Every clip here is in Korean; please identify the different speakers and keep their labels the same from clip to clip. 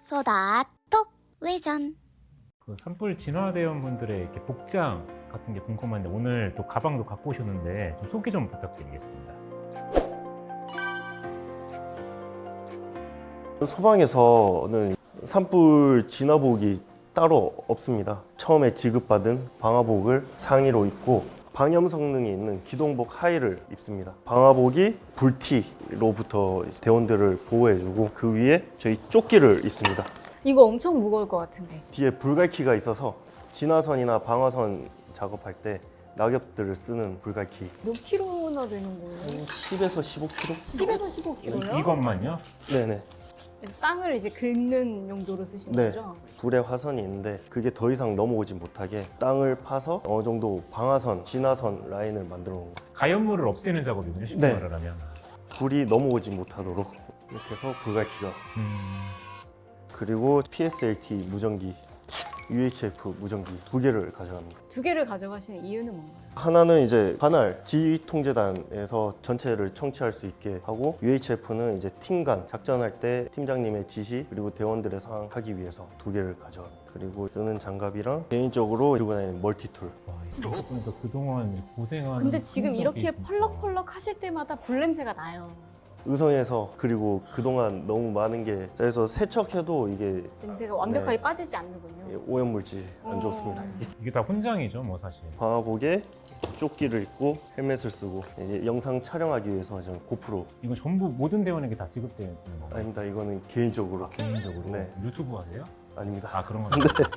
Speaker 1: 소다톡 외전.
Speaker 2: 그 산불 진화대원 분들의 이렇게 복장 같은 게 궁금한데 오늘 또 가방도 갖고 오셨는데 좀 소개 좀 부탁드리겠습니다.
Speaker 3: 소방에서는 산불 진화복이 따로 없습니다. 처음에 지급받은 방화복을 상의로 입고 방염 성능이 있는 기동복 하의를 입습니다. 방화복이 불티로부터 대원들을 보호해주고 그 위에 저희 조끼를 입습니다.
Speaker 4: 이거 엄청 무거울 것 같은데.
Speaker 3: 뒤에 불갈키가 있어서 진화선이나 방화선 작업할 때 낙엽들을 쓰는 불갈키.
Speaker 4: 몇 킬로나 되는 거예요?
Speaker 3: 10에서 15kg?
Speaker 4: 10에서 15킬로요?
Speaker 2: 이것만요?
Speaker 3: 네네.
Speaker 4: 그래서 땅을 이제 긁는 용도로 쓰신
Speaker 3: 네.
Speaker 4: 거죠?
Speaker 3: 불에 화선이 있는데 그게 더 이상 넘어오지 못하게 땅을 파서 어느 정도 방화선, 진화선 라인을 만들어 놓은 거예요.
Speaker 2: 가연물을 없애는 작업이군요, 쉽게
Speaker 3: 네.
Speaker 2: 말을 하면.
Speaker 3: 불이 넘어오지 못하도록 이렇게 해서 불갈키가. 그리고 PSLT 무전기, UHF 무전기 두 개를 가져갑니다.
Speaker 4: 두 개를 가져가시는 이유는 뭔가요?
Speaker 3: 하나는 이제 관할 지휘통제단에서 전체를 청취할 수 있게 하고, UHF는 이제 팀 간 작전할 때 팀장님의 지시 그리고 대원들의 상황 하기 위해서 두 개를 가져갑니다. 그리고 쓰는 장갑이랑 개인적으로 들고 다니는 멀티툴.
Speaker 2: 와, 이거 보니까 그동안 이제 고생한
Speaker 4: 근데 지금
Speaker 2: 흔적이
Speaker 4: 이렇게
Speaker 2: 진짜.
Speaker 4: 펄럭펄럭 하실 때마다 불 냄새가 나요.
Speaker 3: 의성에서 그리고 그동안 너무 많은 게 쌓여서 세척해도 이게
Speaker 4: 냄새가 완벽하게
Speaker 3: 네.
Speaker 4: 빠지지 않는군요.
Speaker 3: 오염물질 안 좋습니다.
Speaker 2: 이게 다 훈장이죠, 뭐 사실.
Speaker 3: 방화복에 조끼를 입고 헬멧을 쓰고 이제 영상 촬영하기 위해서 저는 고프로.
Speaker 2: 이거 전부 모든 대원에게 다 지급되는 건가요?
Speaker 3: 아닙니다. 이거는 개인적으로.
Speaker 2: 개인적으로?
Speaker 3: 네.
Speaker 2: 유튜브 하세요?
Speaker 3: 아닙니다.
Speaker 2: 아, 그런 건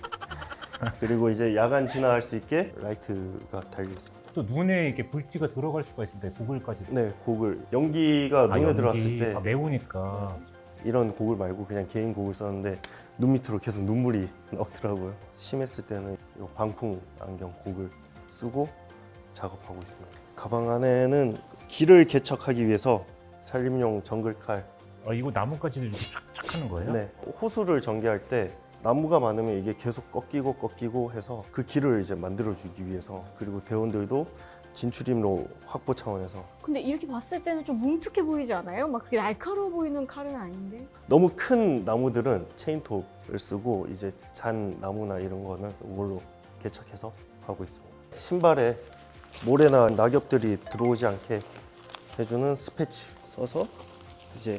Speaker 3: 그리고 이제 야간 진화할 수 있게 라이트가 달려 있습니다.
Speaker 2: 또 눈에 이렇게 불티가 들어갈 수가 있을 때 고글까지.
Speaker 3: 네, 고글. 연기가 눈에
Speaker 2: 연기.
Speaker 3: 들어왔을 때
Speaker 2: 매우니까.
Speaker 3: 이런 고글 말고 그냥 개인 고글 썼는데 눈 밑으로 계속 눈물이 나오더라고요. 심했을 때는 이 방풍 안경 고글 쓰고 작업하고 있습니다. 가방 안에는 길을 개척하기 위해서 산림용 정글칼.
Speaker 2: 이거 나뭇가지를 이렇게 쫙쫙 하는 거예요?
Speaker 3: 네, 호수를 전개할 때 나무가 많으면 이게 계속 꺾이고 해서 그 길을 이제 만들어주기 위해서, 그리고 대원들도 진출입로 확보 차원에서.
Speaker 4: 근데 이렇게 봤을 때는 좀 뭉툭해 보이지 않아요? 막 그렇게 날카로워 보이는 칼은 아닌데.
Speaker 3: 너무 큰 나무들은 체인톱을 쓰고 이제 잔 나무나 이런 거는 이걸로 개척해서 하고 있습니다. 신발에 모래나 낙엽들이 들어오지 않게 해주는 스패치 써서 이제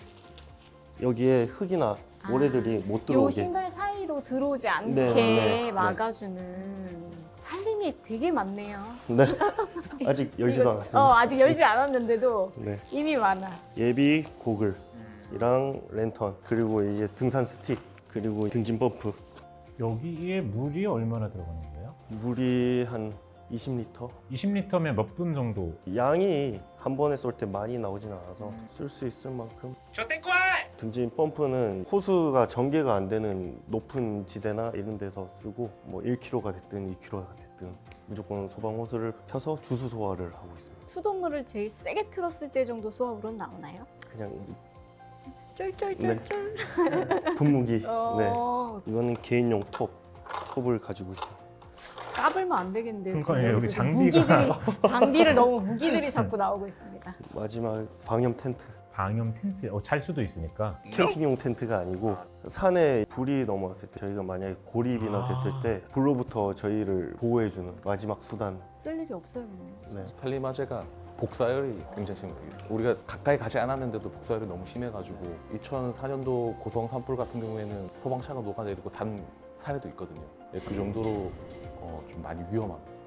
Speaker 3: 여기에 흙이나 모래들이 못
Speaker 4: 요
Speaker 3: 들어오게.
Speaker 4: 신발 사이로 들어오지 않게
Speaker 3: 네, 네.
Speaker 4: 막아주는 살림이 되게 많네요.
Speaker 3: 네. 아직 열지도 않았습니다.
Speaker 4: 아직 열지 않았는데도
Speaker 3: 네.
Speaker 4: 이미 많아.
Speaker 3: 예비 고글이랑 랜턴, 그리고 이제 등산 스틱, 그리고 등진 펌프.
Speaker 2: 여기에 물이 얼마나 들어가는 거예요?
Speaker 3: 물이 한 20리터?
Speaker 2: 20리터면 몇 분 정도?
Speaker 3: 양이 한 번에 쏠 때 많이 나오진 않아서 쓸 수 있을 만큼.
Speaker 2: 저 땡콜!
Speaker 3: 등진 펌프는 호수가 전개가 안 되는 높은 지대나 이런 데서 쓰고, 뭐 1kg가 됐든 2kg가 됐든 무조건 소방 호스를 펴서 주수 소화를 하고 있습니다.
Speaker 4: 수돗물을 제일 세게 틀었을 때 정도 수압으로 나오나요?
Speaker 3: 그냥
Speaker 4: 쫄쫄쫄쫄.
Speaker 3: 분무기. 네.
Speaker 4: 어,
Speaker 3: 이거는 개인용 톱을 가지고 있습니다.
Speaker 4: 까불면 안 되겠는데요.
Speaker 2: 그러니까
Speaker 4: 지금
Speaker 2: 여기
Speaker 4: 여기서
Speaker 2: 장비가-
Speaker 4: 장비를 너무 무기들이 자꾸 나오고 있습니다.
Speaker 3: 마지막 방염 텐트.
Speaker 2: 방염 텐트, 잘 수도 있으니까.
Speaker 3: 캠핑용 텐트가 아니고 산에 불이 넘어왔을 때 저희가 만약에 고립이나 됐을 때 불로부터 저희를 보호해주는 마지막 수단.
Speaker 4: 쓸 일이 없어요.
Speaker 3: 네.
Speaker 5: 산림화재가 복사열이 굉장히 심해요. 우리가 가까이 가지 않았는데도 복사열이 너무 심해가지고 2004년도 고성 산불 같은 경우에는 소방차가 녹아내리고 단 사례도 있거든요. 그 정도로 좀 많이 위험합니다.